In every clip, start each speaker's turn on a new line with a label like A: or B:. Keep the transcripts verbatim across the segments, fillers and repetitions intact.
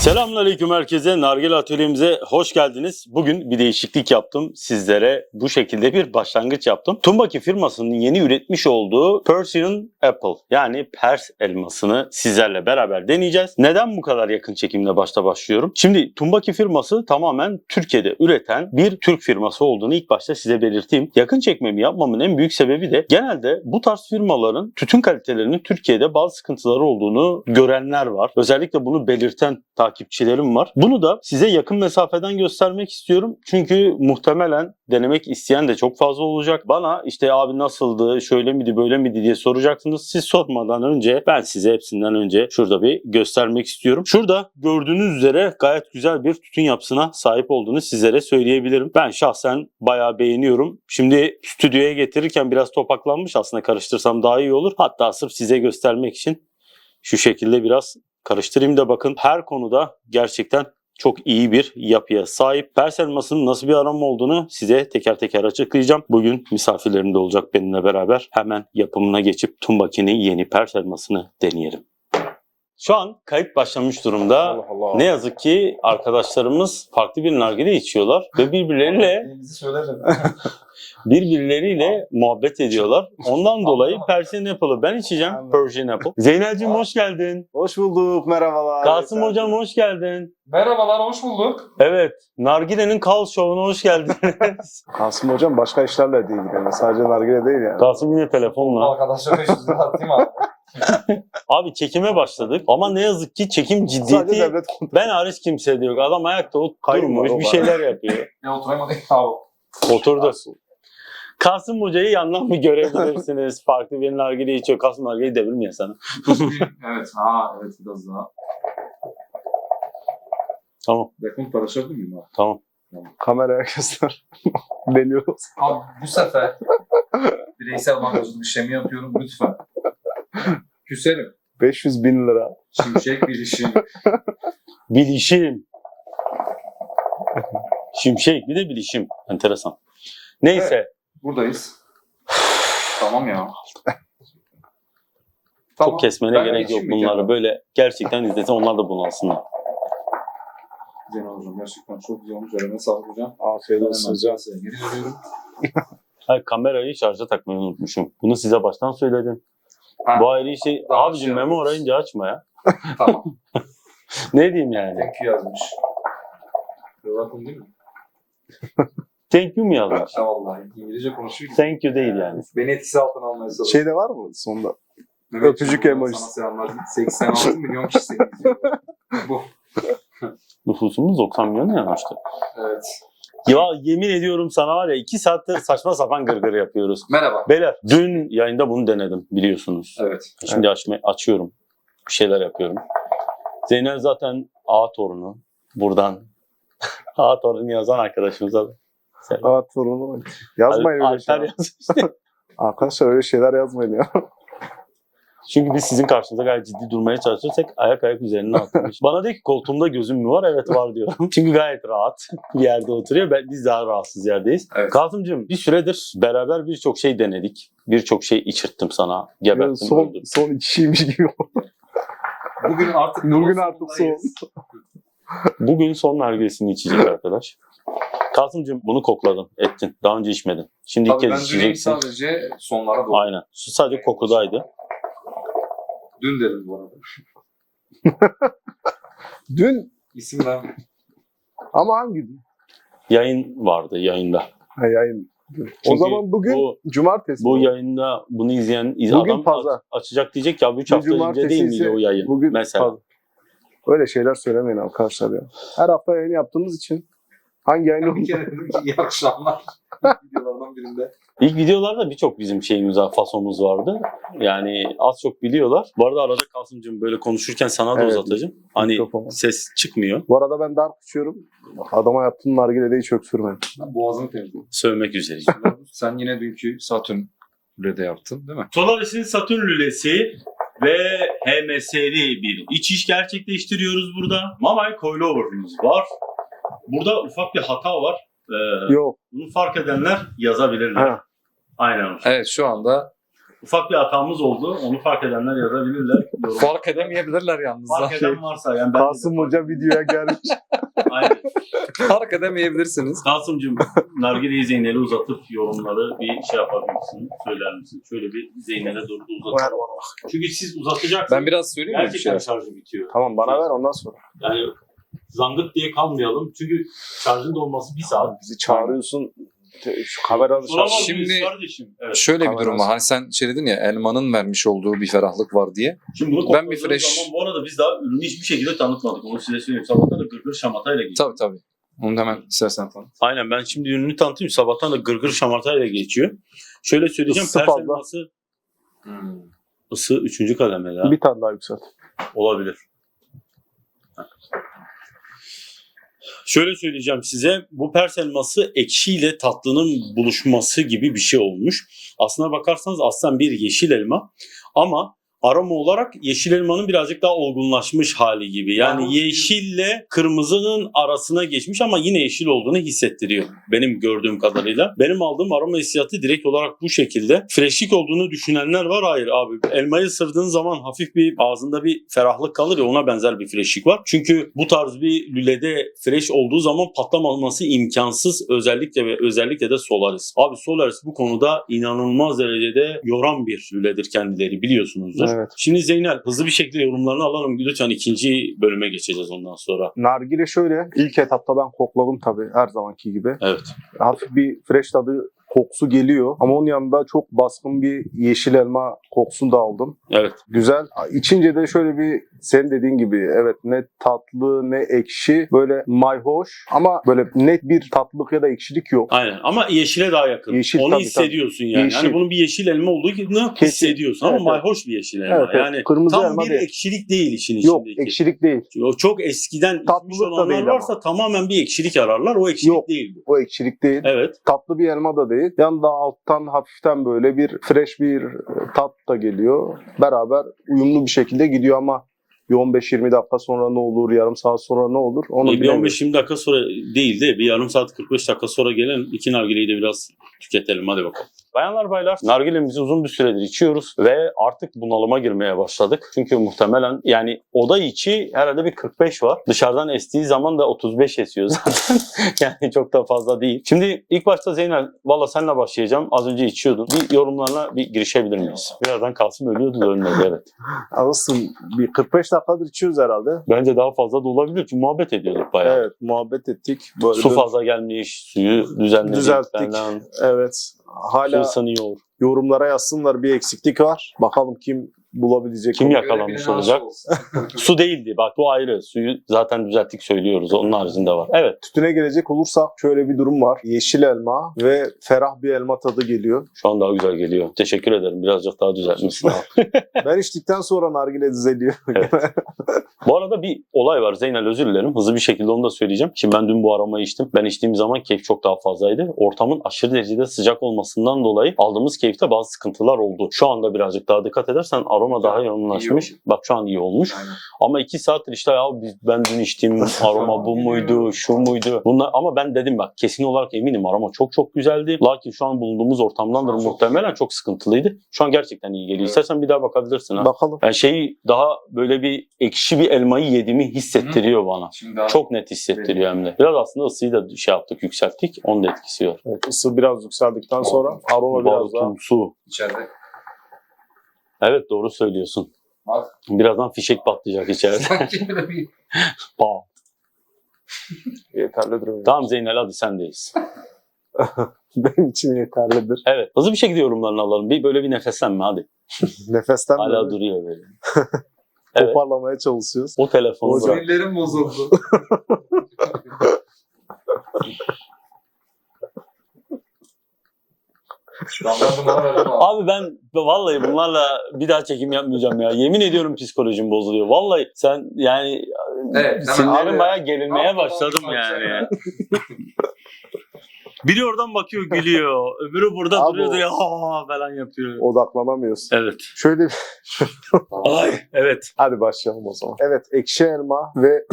A: Selamünaleyküm herkese. Nargile atölyemize hoş geldiniz. Bugün bir değişiklik yaptım. Sizlere bu şekilde bir başlangıç yaptım. Tumbaki firmasının yeni üretmiş olduğu Persian Apple yani Pers elmasını sizlerle beraber deneyeceğiz. Neden bu kadar yakın çekimle başta başlıyorum? Şimdi Tumbaki firması tamamen Türkiye'de üreten bir Türk firması olduğunu ilk başta size belirteyim. Yakın çekmemi yapmamın en büyük sebebi de genelde bu tarz firmaların tütün kalitelerinin Türkiye'de bazı sıkıntıları olduğunu görenler var. Özellikle bunu belirten takipçilerim var. Bunu da size yakın mesafeden göstermek istiyorum. Çünkü muhtemelen denemek isteyen de çok fazla olacak. Bana işte abi nasıldı, şöyle miydi, böyle miydi diye soracaksınız. Siz sormadan önce ben size hepsinden önce şurada bir göstermek istiyorum. Şurada gördüğünüz üzere gayet güzel bir tütün yapısına sahip olduğunu sizlere söyleyebilirim. Ben şahsen bayağı beğeniyorum. Şimdi stüdyoya getirirken biraz topaklanmış, aslında karıştırsam daha iyi olur. Hatta sırf size göstermek için şu şekilde biraz karıştırayım da bakın, her konuda gerçekten çok iyi bir yapıya sahip. Pers elmasının nasıl bir aroma olduğunu size teker teker açıklayacağım. Bugün misafirlerim de olacak benimle beraber. Hemen yapımına geçip Tumbaki'nin yeni Pers elmasını deneyelim. Şu an kayıt başlamış durumda.
B: Allah Allah.
A: Ne yazık ki arkadaşlarımız farklı bir nargile içiyorlar ve birbirleriyle birbirleriyle muhabbet ediyorlar. Ondan dolayı Persian Apple'ı ben içeceğim. Persian Apple. Zeynel'cim hoş geldin.
B: Hoş bulduk, merhabalar.
A: Kasım hocam hoş geldin.
C: Merhabalar, hoş bulduk.
A: Evet, Nargile'nin Kaos Show'una hoş geldiniz.
B: Kasım hocam başka işlerle değil yani. Sadece nargile değil yani.
A: Kasım yine telefonla.
C: Arkadaşlar beş yüz lira atayım abi.
A: Abi çekime başladık ama ne yazık ki çekim
B: Sadece
A: ciddiyeti
B: devlet kontrolü.
A: ben hariç kimse de yok. Adam ayakta
B: Kayın var,
A: oturmuş
B: o
A: bir
B: var.
A: şeyler yapıyor.
C: Ya oturamadık abi.
A: Oturdu. Kasım Hoca'yı yandan mı görebilirsiniz? Farklı bir nargile içiyor. Kasım nargileyi devirmiyor sana.
C: Evet, ha evet biraz daha.
A: Tamam,
C: Yakın paylaşabilir miyim abi?
A: tamam.
B: Kameraya göster. Deniyoruz.
C: Abi bu sefer bireysel bankacılık işlemi yapıyorum lütfen. Küserim.
B: beş yüz bin lira.
C: Şimşek bir işim.
A: Bilişim. Şimşek bir de bilişim. Enteresan. Neyse.
C: Buradayız. Tamam ya.
A: Çok kesmene
C: Ben
A: gerek yok
C: geçeyim mi
A: bunları.
C: kenara?
A: Böyle gerçekten izlese onlar da bunalsınlar.
C: Zeynep hocam gerçekten çok güzel olmuş. Elime sağlık hocam.
B: Afiyet
C: Ben
B: olsun
C: hemen
B: hocam.
C: size geri dönüyorum.
A: Hayır, kamerayı şarja takmayı unutmuşum. Bunu size baştan söyledim.
C: Ha,
A: Bu ayrı şey.
C: Daha
A: Abicim
C: şey
A: memo
C: yapıyoruz.
A: arayınca açma ya.
C: Tamam.
A: Ne diyeyim yani?
C: Thank you yazmış. Bakın değil mi?
A: Thank you mu yazmış?
C: Ha vallahi İngilizce konuşuyor.
A: Thank you değil yani.
C: Beni etkisi altına almaya çalışıyor.
B: Şey de var mı sonunda?
C: Mehmet
B: öpücük
C: Can'dan
B: emojisi.
C: sana selamlar. seksen altı milyon kişi seni izliyor. Bu.
A: Nüfusumuz doksan milyon yanmıştı.
C: Evet.
A: Ya yemin ediyorum sana var ya iki saattir saçma sapan gırgır yapıyoruz.
C: Merhaba.
A: Beyler dün yayında bunu denedim biliyorsunuz.
C: Evet.
A: Şimdi açma, açıyorum. Bir şeyler yapıyorum. Zeynel zaten A torunu. Buradan A torunu yazan arkadaşımıza da selam.
B: Aa torunu bak. Yazmayın öyle
A: Alper
B: şeyler.
A: yazmış.
B: Arkadaşlar öyle şeyler yazmayın ya.
A: Çünkü biz sizin karşınızda gayet ciddi durmaya çalışırsak ayak ayak üzerine atmış. Bana diyor ki koltuğumda gözüm mü var? Evet var diyorum. Çünkü gayet rahat bir yerde oturuyor. Ben, biz daha rahatsız yerdeyiz.
C: Evet.
A: Kasım'cığım bir süredir beraber birçok şey denedik. Birçok şey içirttim sana. Geberttim,
B: son,
A: öldürdüm.
B: son ikişiymiş gibi.
C: Bugün artık
B: Bugün artık son.
A: Bugün son nargilesini içecek arkadaş. Kasım'cığım bunu kokladın, ettin. Daha önce içmedin. Şimdi ilk
C: Tabii ben
A: kez
C: dün
A: içeceksin.
C: sadece sonlara doğru.
A: Aynen. Şu sadece kokudaydı.
C: Dün dedim bu arada.
B: Dün
C: İsim vermem.
B: ama hangi gün?
A: Yayın vardı yayında.
B: Ha, yayın. Dün. O
A: Çünkü
B: zaman bugün
A: bu,
B: cumartesi.
A: bu
B: mi?
A: yayında bunu izleyen iz-
B: Bugün
A: adam
B: pazar.
A: aç- açacak diyecek ya üç
B: Bir
A: hafta önce
B: cumartesi
A: değil miydi
B: ise
A: o yayın?
B: Bugün
A: Mesela.
B: pazar. Öyle şeyler söylemeyin arkadaşlar ya. Her hafta yayın yaptığımız için hangi yayın
C: Bir
B: oldu?
C: kere dedim ki iyi akşamlar. Videolardan birinde.
A: İlk videolarda birçok bizim şeyimiz var, fasomuz vardı. Yani az çok biliyorlar. Bu arada arada Kasım'cığım böyle konuşurken sana da
B: Evet.
A: uzatacağım. Hani
B: Mikrofonu.
A: ses çıkmıyor.
B: Bu arada ben darp içiyorum. Adama yaptığım nargileyi hiç öksürmedim.
C: Ben boğazımı temizledim.
A: Sövmek üzereyim.
C: Sen yine dünkü Satürn de yaptın değil mi?
A: Solaris'in Satürn lülesi ve H M S'li bir içiş gerçekleştiriyoruz burada. Mamay coilover'ımız var. Burada ufak bir hata var. Ee,
B: Yok.
A: bunu fark edenler yazabilirler.
B: Ha.
A: Aynen.
C: Evet şu anda
A: ufak bir hatamız oldu. Onu fark edenler yazabilirler. Yorum.
C: Fark edemeyebilirler yalnız.
A: Fark eden varsa yani ben de-
B: Kasım Hoca videoya gelmiş.
A: Aynen.
C: Fark edemeyebilirsiniz.
A: Kasım'cığım Nargile'yi Zeynel'e uzatıp yorumları bir şey yapabilir misin? Söyler misin? Şöyle bir Zeynel'e doğru da
B: Ver
A: uzatalım.
B: bana.
A: Çünkü siz uzatacaksınız.
C: Ben biraz söyleyeyim mi bir
A: Gerçekten
C: şey?
A: şarjı bitiyor.
B: Tamam bana ver ondan sonra.
A: Yani zangırt diye kalmayalım. Çünkü şarjın dolması bir saat.
B: Bizi çağırıyorsun. Şu kameranın
A: Soramaz
B: şarjı.
C: Şimdi-
A: mıyız kardeşim? Evet.
C: Şöyle bir
B: Kamerası.
C: durum var. Hani sen şey dedin ya elmanın vermiş olduğu bir ferahlık var diye.
A: Şimdi bunu
C: Ben bir
A: kokladığımız
C: fresh-
A: zaman bu arada biz daha ürünü hiçbir şekilde tanıtmadık. Onu size söyleyeyim. Sabahtan da gırgır şamatayla geçiyor.
C: Tabii tabii. Onu da hemen istersen tanıt.
A: Aynen ben şimdi ürünü tanıtayım. Sabahtan da gırgır şamatayla geçiyor. Şöyle söyleyeceğim.
B: Isı
A: Pers
B: fazla.
A: elması ısı üçüncü kademede.
B: Bir tane daha yükselt.
A: Olabilir. Şöyle söyleyeceğim size. Bu Pers elması ekşiyle tatlının buluşması gibi bir şey olmuş. Aslına bakarsanız aslen bir yeşil elma. Ama aroma olarak yeşil elmanın birazcık daha olgunlaşmış hali gibi. Yani
C: Aa,
A: yeşille kırmızının arasına geçmiş ama yine yeşil olduğunu hissettiriyor. Benim gördüğüm kadarıyla. Benim aldığım aroma hissiyatı direkt olarak bu şekilde. Freshlik olduğunu düşünenler var. Hayır abi. Elmayı ısırdığın zaman hafif bir ağzında bir ferahlık kalır ya, ona benzer bir freshlik var. Çünkü bu tarz bir lülede fresh olduğu zaman patlamaması imkansız. Özellikle ve özellikle de Solaris. Abi Solaris bu konuda inanılmaz derecede yoran bir lüledir kendileri, biliyorsunuzdur.
B: Evet.
A: Şimdi Zeynel hızlı bir şekilde yorumlarını alalım. Lütfen ikinci bölüme geçeceğiz ondan sonra.
B: Nargile şöyle. İlk etapta ben kokladım tabii her zamanki gibi.
A: Evet.
B: Hafif bir fresh tadı kokusu geliyor. Ama onun yanında çok baskın bir yeşil elma kokusunu da aldım.
A: Evet.
B: Güzel. İçince de şöyle bir senin dediğin gibi evet ne tatlı ne ekşi böyle mayhoş ama böyle net bir tatlılık ya da ekşilik yok.
A: Aynen. Ama yeşile daha yakın.
B: Yeşil,
A: Onu
B: tabii,
A: hissediyorsun yani.
B: Yeşil.
A: Hani bunun bir yeşil elma olduğunu
B: Kesin.
A: hissediyorsun.
B: Evet,
A: Ama
B: evet.
A: mayhoş bir yeşil elma.
B: Evet, evet.
A: Yani
B: Kırmızı
A: tam
B: elma
A: bir
B: değil.
A: ekşilik değil işin
B: Yok
A: içindeki.
B: ekşilik değil.
A: Çünkü o çok eskiden içmiş
B: Tatlılık da
A: olanlar
B: değil ama.
A: varsa tamamen bir ekşilik ararlar. O ekşilik
B: Yok.
A: değil bu.
B: O ekşilik değil.
A: Evet.
B: Tatlı bir elma da değil. Yanında alttan hafiften böyle bir fresh bir tat da geliyor. Beraber uyumlu bir şekilde gidiyor ama bir on beş yirmi dakika sonra ne olur, yarım saat sonra ne olur onu
A: Bir
B: bilemiyorum.
A: on beş yirmi dakika sonra değil de bir yarım saat kırk beş dakika sonra gelen iki nargileyi de biraz tüketelim. Hadi bakalım. Bayanlar baylar, nargilemizi uzun bir süredir içiyoruz ve artık bunalıma girmeye başladık. Çünkü muhtemelen yani oda içi herhalde bir kırk beş var. Dışarıdan estiği zaman da otuz beş esiyor zaten. Yani çok da fazla değil. Şimdi ilk başta Zeynel, valla seninle başlayacağım. Az önce içiyordun. Bir yorumlarına bir girişebilir miyiz? Birazdan Kasım ölüyordu da ölmedi, evet.
B: Aslında bir kırk beş dakikadır içiyoruz herhalde.
A: Bence daha fazla da olabilir çünkü muhabbet ediyorduk bayağı.
B: Evet, muhabbet ettik. Böyle
A: Su
B: bir-
A: fazla gelmiş, suyu düzenledik
B: Düzelttik.
A: falan.
B: Evet. Hala
A: Isınıyor.
B: yorumlara yazsınlar bir eksiklik var. Bakalım kim bulabilecek.
A: Kim
B: onu.
A: yakalamış
C: Görebilen
A: olacak?
C: aşık olsun.
A: Su değildi. Bak bu ayrı. Suyu zaten düzelttik söylüyoruz. Onun haricinde var. Evet.
B: Tütüne gelecek olursak şöyle bir durum var. Yeşil elma ve ferah bir elma tadı geliyor.
A: Şu an daha güzel geliyor. Teşekkür ederim. Birazcık daha düzeltmişsin abi.
B: Ben içtikten sonra nargile düzeliyor.
A: Evet. Bu arada bir olay var. Zeynel, özür dilerim. Hızlı bir şekilde onu da söyleyeceğim. Şimdi ben dün bu aromayı içtim. Ben içtiğim zaman keyif çok daha fazlaydı. Ortamın aşırı derecede sıcak olmasından dolayı aldığımız keyifte bazı sıkıntılar oldu. Şu anda birazcık daha dikkat edersen aroma daha yoğunlaşmış.
C: iyi
A: Bak şu an iyi olmuş.
C: Aynen.
A: Ama iki saattir işte ya biz- ben dün içtiğim aroma bu muydu, şu muydu? Bunlar, ama ben dedim bak kesin olarak eminim aroma çok çok güzeldi. Lakin şu an bulunduğumuz ortamdandır
C: Çok
A: muhtemelen çok sıkıntılıydı. Şu an gerçekten iyi geliyor.
C: Evet.
A: İstersen bir daha bakabilirsin ha.
B: Bakalım.
A: Yani şeyi daha böyle bir ekşi bir elmayı yediğimi hissettiriyor bana.
C: Şimdi daha
A: Çok net hissettiriyor hem de. Biraz aslında ısıyı da şey yaptık, yükselttik. Onun da etkisi var.
B: Evet, ısı biraz yükseldikten sonra aroma biraz daha.
A: Balıkım, su.
C: içeride.
A: Evet doğru söylüyorsun.
C: Bak.
A: Birazdan fişek patlayacak içeride.
C: Sanki böyle bir
A: Bam.
B: Yeterlidir. benim.
A: Tamam Zeynel hadi sendeyiz.
B: Benim için yeterlidir.
A: Evet. Hızlı bir şekilde yorumlarını alalım. Bir böyle bir nefeslenme hadi.
B: Nefesten
A: Hala
B: böyle
A: duruyor böyle. Evet.
B: toparlamaya çalışıyoruz.
A: O telefonu
B: Hocam.
A: bırak.
C: sinirlerim bozuldu. Damladım ona verdim abi.
A: Abi ben vallahi bunlarla bir daha çekim yapmayacağım ya. Yemin ediyorum psikolojim bozuluyor. Vallahi sen yani
C: Evet,
A: sinirlerim
C: hemen.
A: bayağı gerilmeye
C: Tamam,
A: başladım
C: tamam,
A: yani. Biri oradan bakıyor gülüyor. Öbürü burada
B: Abi
A: duruyor
B: o-
A: diyor "Aa!" falan yapıyor.
B: Odaklanamıyoruz.
A: Evet.
B: Şöyle
A: Ay evet.
B: hadi başlayalım o zaman. Evet, ekşi elma ve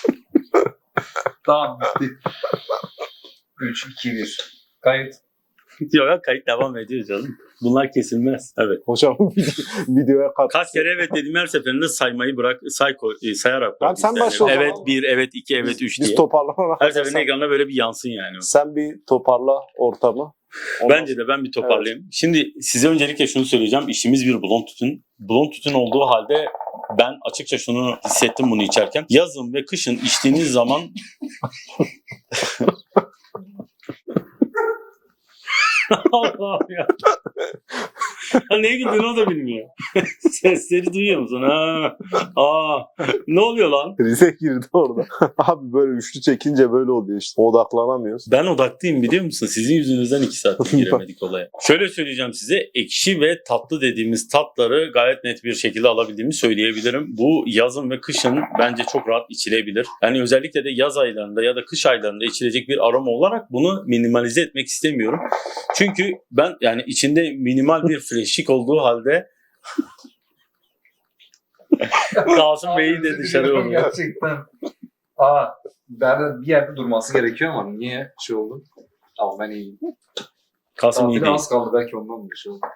C: Tamam bitti. üç, iki, bir. Kayıt.
A: Yok ya, kayıt devam ediyor canım. Bunlar kesilmez. Evet.
B: Hocam videoya kat.
A: Kaç kere evet dediğim her seferinde saymayı bırak, say koy- e, sayarak
B: Tamam,
A: bırak.
B: sen
A: işte.
B: başla o
A: Evet
B: zaman.
A: bir, evet iki, evet
B: Biz-
A: üç
B: Biz
A: diye.
B: toparlama.
A: Her seferinde
B: sen,
A: ekranda böyle bir yansın yani.
B: sen bir toparla ortamı. Ondan
A: Bence de ben bir toparlayayım. Şimdi size öncelikle şunu söyleyeceğim. İşimiz bir blond tütün. Blond tütün olduğu halde ben açıkça şunu hissettim bunu içerken. Yazın ve kışın içtiğiniz zaman Allah'ım ya. Ha, neye güldüğünü o da bilmiyor. Sesleri duyuyor musun? Ha. Aa, ne oluyor lan?
B: Rize girdi orada. Abi böyle üçlü çekince böyle oluyor işte. Odaklanamıyoruz.
A: Ben odaklıyım biliyor musun? Sizin yüzünüzden iki saattir giremedik olaya. Şöyle söyleyeceğim size. Ekşi ve tatlı dediğimiz tatları gayet net bir şekilde alabildiğimi söyleyebilirim. Bu yazın ve kışın bence çok rahat içilebilir. Yani özellikle de yaz aylarında ya da kış aylarında içilecek bir aroma olarak bunu minimalize etmek istemiyorum. Çünkü ben yani içinde minimal bir freshlik olduğu halde Kasım Bey'i de dışarı oluyor.
C: Gerçekten. Aa, ben bir yerde durması gerekiyor ama niye şey oldu? Tamam ben iyiyim.
A: Kasım iyi
C: Tatile
A: değil.
C: az kaldı belki ondan bir şey oldu.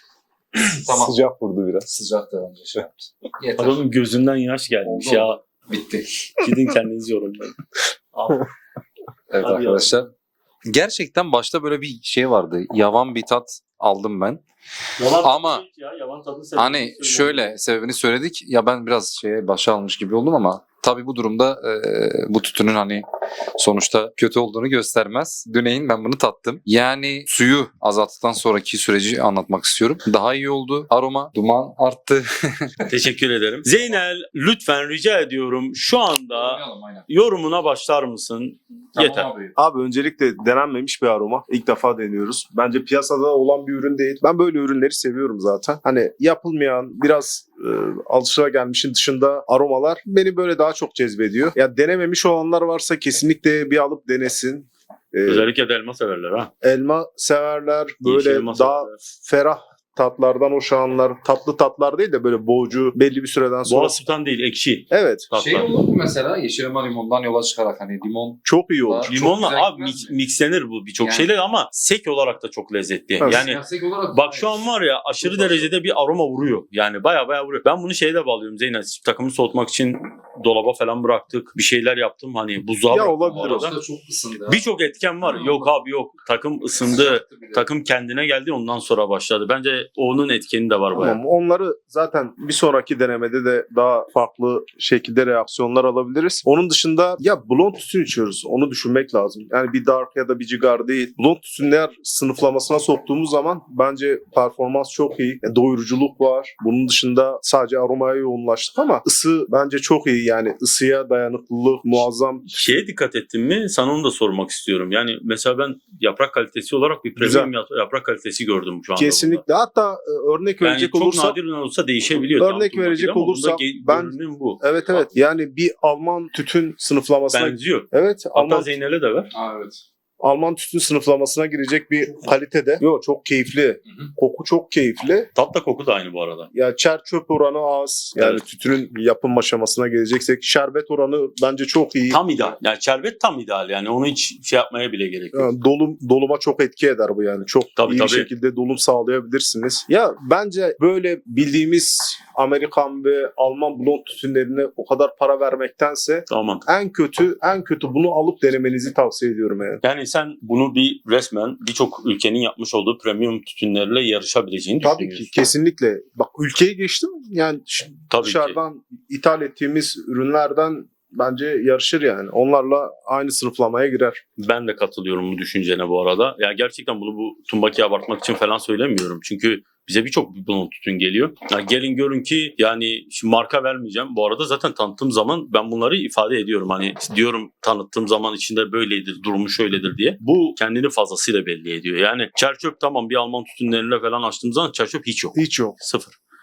C: Tamam.
B: Sıcak vurdu biraz.
C: Sıcak da önce şey yaptı. Yeter.
A: Adamın gözünden yaş gelmiş
C: Oldu.
A: ya.
C: Bitti.
A: Gidin kendinizi yorumlayın. Al.
C: Evet
A: Hadi
C: arkadaşlar. Gerçekten başta böyle bir şey vardı. Yavan bir tat aldım ben.
A: Yalan
C: Ama-
A: tadı yok ya, yalan tadı sebebini
C: Hani
A: söyleyeyim.
C: şöyle sebebini söyledik. Ya ben biraz şeye başa almış gibi oldum ama tabii bu durumda e, bu tütünün hani sonuçta kötü olduğunu göstermez. Düneyin ben bunu tattım. Yani suyu azalttıktan sonraki süreci anlatmak istiyorum. Daha iyi oldu. Aroma, duman arttı.
A: Teşekkür ederim. Zeynel lütfen rica ediyorum şu anda yorumuna başlar mısın? Yeter.
B: Abi öncelikle denenmemiş bir aroma. İlk defa deniyoruz. Bence piyasada olan bir ürün değil. Ben böyle ürünleri seviyorum zaten. Hani yapılmayan, biraz e, alışılagelmişin dışında aromalar beni böyle daha çok cezbediyor. Ya denememiş olanlar varsa kesinlikle bir alıp denesin. E,
A: Özellikle de elma severler ha.
B: elma severler.
A: Yeşil
B: Böyle
A: elma
B: daha
A: severler.
B: ferah tatlardan hoşlananlar. Tatlı tatlar değil de böyle boğucu belli bir süreden sonra.
A: Boğazından değil, ekşi.
B: Evet.
A: Tatlı.
C: Şey olur mu mesela yeşil elma limondan yola çıkarak hani limon
B: Çok iyi olur.
C: Çok
A: Limonla
C: güzel
A: abi
C: gitmez
A: mix-
C: mi?
A: mixlenir bu birçok
C: Yani-
A: şeyler ama sek olarak da çok lezzetli.
B: Evet.
A: Yani
C: Gerçek olarak
A: bak şu an var ya aşırı
C: Çok
A: derecede bir aroma vuruyor. Yani baya baya vuruyor. Ben bunu şeyle bağlıyorum Zeynep. Takımı soğutmak için dolaba falan bıraktık. Bir şeyler yaptım. Hani buzluğa
B: Ya
A: bıraktım
B: olabilir
A: bu
B: o.
A: arada.
C: da çok ısındı.
A: Birçok etken var.
C: Hı,
A: Yok
C: olabilir.
A: abi yok. Takım ısındı.
C: Sıcaktı bir de.
A: Takım kendine geldi ondan sonra başladı. Bence onun etkeni de var bayağı.
B: Tamam, onları zaten bir sonraki denemede de daha farklı şekilde reaksiyonlar alabiliriz. Onun dışında ya blond tütün içiyoruz. Onu düşünmek lazım. Yani bir dark ya da bir cigar değil. Blond tütünler sınıflamasına soktuğumuz zaman bence performans çok iyi. Yani doyuruculuk var. Bunun dışında sadece aromaya yoğunlaştık ama ısı bence çok iyi. Yani ısıya dayanıklılık muazzam.
A: Şeye dikkat ettin mi? Sana onu da sormak istiyorum. Yani mesela ben yaprak kalitesi olarak bir
B: Güzel.
A: premium yap- yaprak kalitesi gördüm şu anda.
B: Kesinlikle. Hatta e, örnek
A: burada. Yani
B: verecek
A: çok
B: olursak
A: nadir olsa değişebiliyor.
B: Örnek
A: Tam
B: verecek
A: ama bunda
B: olursam
A: ge-
B: ben-
A: görünüm bu.
B: evet evet. Yani bir Alman tütün sınıflamasına
A: Benziyor.
B: evet
A: Hatta
B: Alman
A: Zeynel'e de ver.
C: Aa, evet.
B: Alman tütün sınıflamasına girecek bir kalitede. Yok çok keyifli.
C: hı.
B: Koku çok keyifli.
A: Tat da koku da aynı bu arada.
B: Ya çer çöp oranı az. Yani
A: Evet.
B: tütünün yapım aşamasına geleceksek şerbet oranı bence çok iyi.
A: Tam ideal. Yani şerbet tam ideal yani. Onu hiç şey yapmaya bile gerek yok.
B: Yani dolum doluma çok etki eder bu yani. Çok
A: Tabii,
B: iyi
A: tabii.
B: bir şekilde dolum sağlayabilirsiniz. Ya bence böyle bildiğimiz Amerikan ve Alman blond tütünlerine o kadar para vermektense
A: Tamam.
B: en kötü en kötü bunu alıp denemenizi tavsiye ediyorum yani.
A: Yani sen bunu bir resmen birçok ülkenin yapmış olduğu premium tütünlerle yarışabileceğini
B: Tabii
A: düşünüyorsun.
B: ki kesinlikle. Bak ülkeyi geçtim. Yani ş-
A: Tabii ki.
B: dışarıdan ithal ettiğimiz ürünlerden bence yarışır yani. Onlarla aynı sınıflamaya girer.
A: Ben de katılıyorum bu düşüncene bu arada. Yani gerçekten bunu bu Tumbaki abartmak için falan söylemiyorum. Çünkü bize birçok blond tütün geliyor. Yani gelin görün ki yani şimdi marka vermeyeceğim. Bu arada zaten tanıttığım zaman ben bunları ifade ediyorum. Hani diyorum tanıttığım zaman içinde böyledir, durumu şöyledir diye. Bu kendini fazlasıyla belli ediyor. Yani çerçöp tamam bir Alman tütünleriyle falan açtığım zaman çerçöp hiç yok.
B: Hiç yok.
A: Sıfır.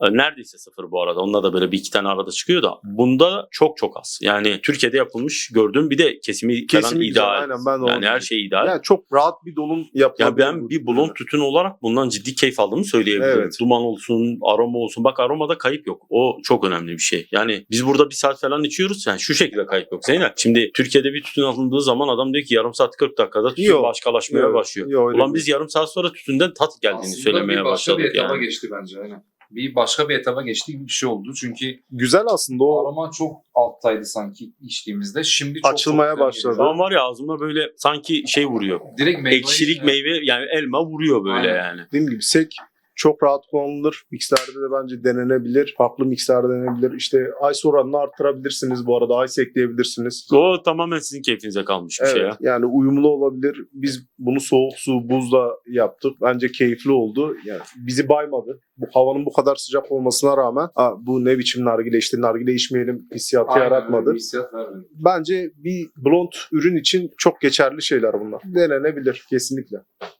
A: E, Neredeyse sıfır bu arada. Onda da böyle bir iki tane arada çıkıyor da. Bunda çok çok az. Yani Türkiye'de yapılmış gördüğüm bir de kesimi,
B: Kesimi
A: falan
B: güzel,
A: ideal.
B: aynen, ben de onu
A: yani her
B: diyecektim.
A: şey ideal.
B: Yani çok rahat bir dolum yapılabilir.
A: Ya ben
B: bu
A: bir
B: tütünle.
A: blond tütün olarak bundan ciddi keyif aldığımı söyleyebilirim.
B: Evet.
A: Duman olsun, aroma olsun. Bak aromada kayıp yok. O çok önemli bir şey. Yani biz burada bir saat falan içiyoruz. Yani şu şekilde kayıp yok. Zeynep şimdi Türkiye'de bir tütün alındığı zaman adam diyor ki yarım saat kırk dakikada tütün
B: Yok.
A: başkalaşmaya
B: Yok.
A: başlıyor.
B: Yok, öyle
A: Ulan
B: değil.
A: biz yarım saat sonra tütünden tat geldiğini
C: Aslında
A: söylemeye
C: bir başka
A: başladık
C: bir etaba
A: yani.
C: geçti bence. Aynen. Bir başka bir etaba geçti gibi bir şey oldu. Çünkü
B: Güzel aslında o.
C: aroma çok alttaydı sanki içtiğimizde. Şimdi çok
B: Açılmaya
C: çok güzel
B: başladı.
C: geliyor.
A: Şu an var ya ağzımda böyle sanki şey vuruyor.
C: Direkt meyve
A: Ekşilik
C: içine-
A: meyve yani elma vuruyor böyle
C: Aynen.
A: yani.
B: Dediğim gibi sek çok rahat kullanılır. Mixlerde de bence denenebilir. Farklı mixlerde denenebilir. İşte ice oranını arttırabilirsiniz bu arada. Ice ekleyebilirsiniz.
A: O tamamen sizin keyfinize kalmış bir
B: Evet,
A: şey ya.
B: yani uyumlu olabilir. Biz bunu soğuk su, buzla yaptık. Bence keyifli oldu. Yani bizi baymadı. Bu havanın bu kadar sıcak olmasına rağmen "Aa, bu ne biçim nargile işte nargile içmeyelim" hissiyatı
C: Aynen,
B: yaratmadı.
C: öyle bir hissiyat vermedi.
B: Bence bir blond ürün için çok geçerli şeyler bunlar. Denenebilir kesinlikle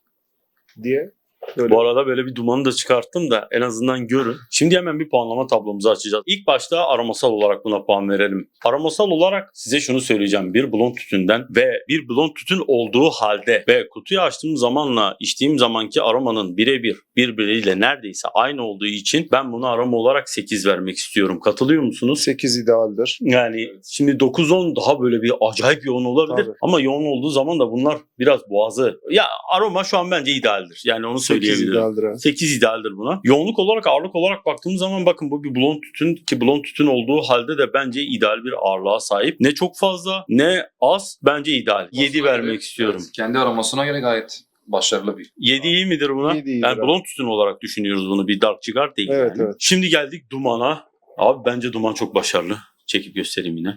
B: diye. Böyle.
A: Bu arada böyle bir dumanı da çıkarttım da en azından görün. Şimdi hemen bir puanlama tablomuzu açacağız. İlk başta aromasal olarak buna puan verelim. Aromasal olarak size şunu söyleyeceğim. Bir blond tütünden ve bir blond tütün olduğu halde ve kutuyu açtığım zamanla içtiğim zamanki aromanın birebir birbiriyle neredeyse aynı olduğu için ben buna aroma olarak sekiz vermek istiyorum. Katılıyor musunuz?
B: sekiz idealdir.
A: Yani şimdi dokuz on daha böyle bir acayip yoğun olabilir.
B: Tabii.
A: Ama yoğun olduğu zaman da bunlar biraz boğazı. Ya aroma şu an bence idealdir. Yani onu
B: sekiz
A: söyleyebilirim.
B: idealdir. evet.
A: sekiz idealdir buna. Yoğunluk olarak, ağırlık olarak baktığımız zaman bakın bu bir blond tütün ki blond tütün olduğu halde de bence ideal bir ağırlığa sahip. Ne çok fazla ne az, bence ideal. yedi
C: Aslında
A: vermek
C: evet,
A: istiyorum.
C: evet. Kendi aromasına göre gayet başarılı bir.
A: yedi iyi midir buna?
B: yedi iyidir
A: Yani
B: abi.
A: blond tütün olarak düşünüyoruz bunu. Bir dark cigar değil
B: Evet,
A: yani.
B: evet.
A: Şimdi geldik dumana. Abi bence duman çok başarılı. Çekip göstereyim yine.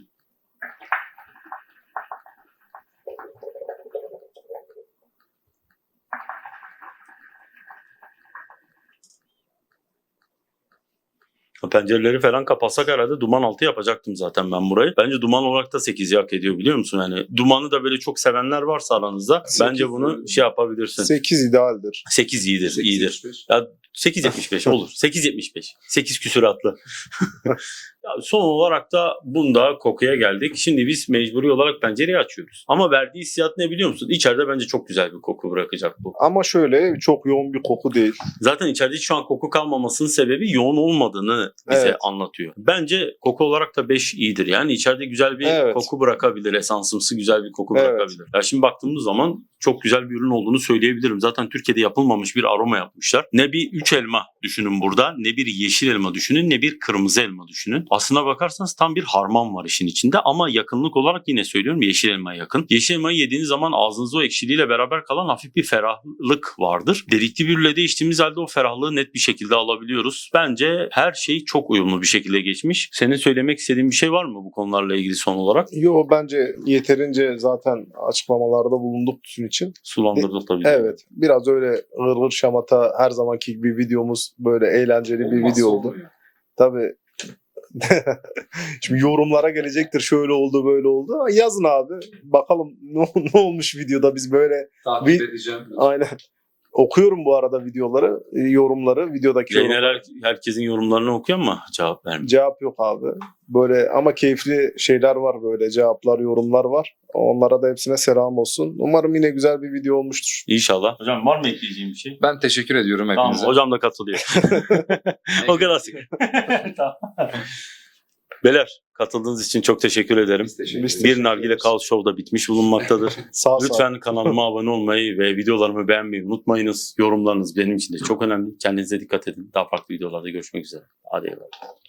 A: Pencereleri falan kapatsak herhalde duman altı yapacaktım zaten ben burayı. Bence duman olarak da sekizi hak ediyor biliyor musun? Yani dumanı da böyle çok sevenler varsa aranızda
B: sekiz
A: bence bunu şey yapabilirsin.
B: sekiz idealdir.
A: sekiz iyidir,
C: sekiz
A: iyidir.
C: yetmiş beş.
A: Ya sekiz yetmiş beş olur. sekiz yetmiş beş. sekiz küsuratlı. Ya son olarak da bunda kokuya geldik. Şimdi biz mecburi olarak pencereyi açıyoruz. Ama verdiği hissiyat ne biliyor musun? İçeride bence çok güzel bir koku bırakacak bu.
B: Ama şöyle çok yoğun bir koku değil.
A: Zaten içeride hiç şu an koku kalmamasının sebebi yoğun olmadığını bize
B: Evet.
A: anlatıyor. Bence koku olarak da beş iyidir. Yani içeride güzel bir
B: Evet.
A: koku bırakabilir. Esansımsı güzel bir koku
B: Evet.
A: bırakabilir. Ya şimdi baktığımız zaman çok güzel bir ürün olduğunu söyleyebilirim. Zaten Türkiye'de yapılmamış bir aroma yapmışlar. Ne bir üç elma düşünün burada, ne bir yeşil elma düşünün, ne bir kırmızı elma düşünün. Aslına bakarsanız tam bir harman var işin içinde ama yakınlık olarak yine söylüyorum yeşil elmaya yakın. Yeşil elmayı yediğiniz zaman ağzınızda o ekşiliğiyle beraber kalan hafif bir ferahlık vardır. Dedikli bir ürünle içtiğimiz halde o ferahlığı net bir şekilde alabiliyoruz. Bence her şey çok uyumlu bir şekilde geçmiş. Senin söylemek istediğin bir şey var mı bu konularla ilgili son olarak?
B: Yo, bence yeterince zaten açıklamalarda bulunduk tütün için.
A: Sulandırdık tabii.
B: Evet. Biraz öyle hır hır şamata her zamanki gibi videomuz böyle eğlenceli bir
C: Olmazsa
B: video oldu.
C: olmuyor.
B: Tabii. Şimdi yorumlara gelecektir şöyle oldu böyle oldu. Ama yazın abi. Bakalım ne, ne olmuş videoda biz böyle.
C: Takip
B: Bir-
C: edeceğim.
B: Aynen. Okuyorum bu arada videoları, e, yorumları, videodaki
A: Zeynel
B: yorumları.
A: her- herkesin yorumlarını okuyor ama cevap vermiyor.
B: Cevap yok abi. Böyle ama keyifli şeyler var böyle. Cevaplar, yorumlar var. Onlara da hepsine selam olsun. Umarım yine güzel bir video olmuştur.
A: İnşallah. Hocam var mı ekleyeceğim bir şey?
C: Ben teşekkür ediyorum
A: Tamam
C: hepinize.
A: hocam da katılıyor. O kadar sık. Tamam. Beyler katıldığınız için çok teşekkür ederim.
C: Biz teşekkür
B: Biz
C: ederiz.
A: Bir Nargile Kal Show da bitmiş bulunmaktadır.
B: Sağ sağ.
A: Lütfen kanalıma abone olmayı ve videolarımı beğenmeyi unutmayınız. Yorumlarınız benim için de çok önemli. Kendinize dikkat edin. Daha farklı videolarda görüşmek üzere. Hadi eyvallah.